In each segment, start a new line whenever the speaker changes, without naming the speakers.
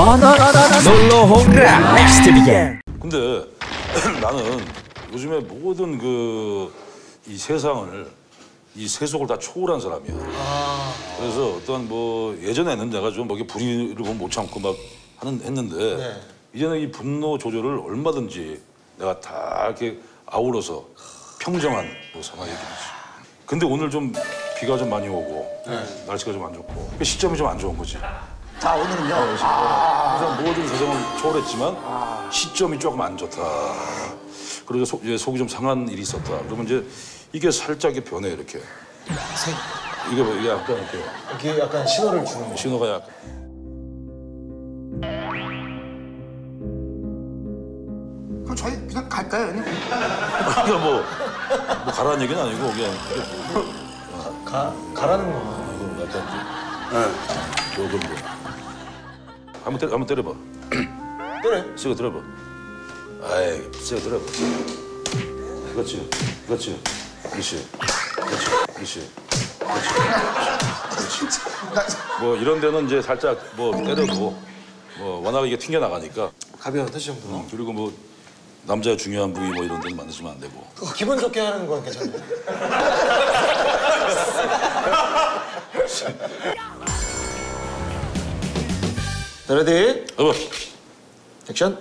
놀러 홍라 넥스트 비겐.
근데 나는 요즘에 모든 이 세상을 이 세속을 다 초월한 사람이야. 그래서 어떤 예전에는 내가 좀 불의를 보면 못 참고 막 했는데 이제는 이 분노 조절을 얼마든지 내가 다 이렇게 아우러서 평정한 상황이 되지. 근데 오늘 좀 비가 좀 많이 오고 날씨가 좀 안 좋고 시점이 좀 안 좋은 거지.
자, 오늘은요.
항상 모든 세상은 초월했지만 시점이 조금 안 좋다. 그리고 속이 좀 상한 일이 있었다. 그러면 이제 이게 살짝 변해 이렇게. 이게 약간 이렇게.
이게 약간 신호를 주는 거.
신호가 약간.
그럼 저희 그냥 갈까요, 형님?
그러니까 뭐 가라는 얘기는 아니고 그냥.
가라는 거.
이거 약간 조금 한번 때려봐.
때려.
세게 들어봐. 아이, 세게 들어봐. 그렇지. 그렇지. 그렇지. 그렇지. 그렇지. 이런 데는 이제 살짝 때려도 워낙 이게 튕겨 나가니까.
가벼운 터치 정도.
그리고 남자의 중요한 부위 이런 데는 만드시면 안 되고.
기분 좋게 하는 건 괜찮아요. 레디?
여보.
액션.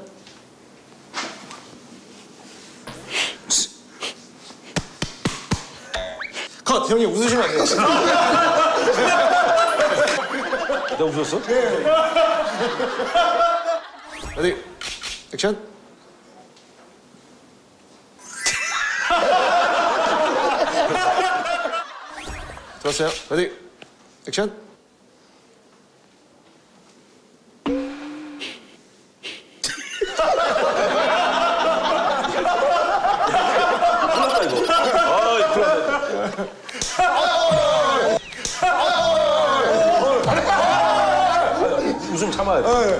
컷! 형님 웃으시면 안 돼요.
내가 웃었어?
레디? 액션. 좋았어요. 레디? 액션.
웃음 참아야 돼.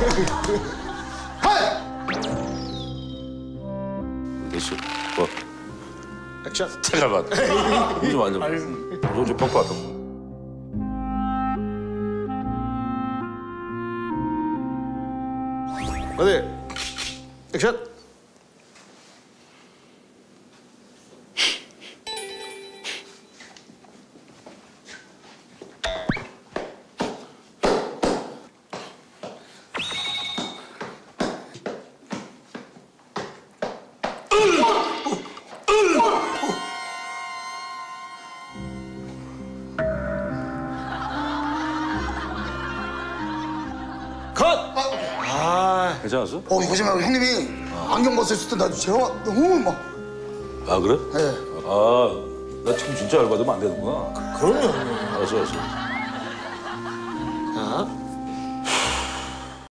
됐어.
액션.
잠깐만. 웃음 안 돼. 좀 벗고 왔다.
레디? 액션. 컷!
괜찮았어?
이거 좀 형님이 안경 벗었을 때 나 제가 너무 막.
아, 그래?
네.
나 참 진짜 열받으면 안 되는구나.
그럼요, 형님.
알았어.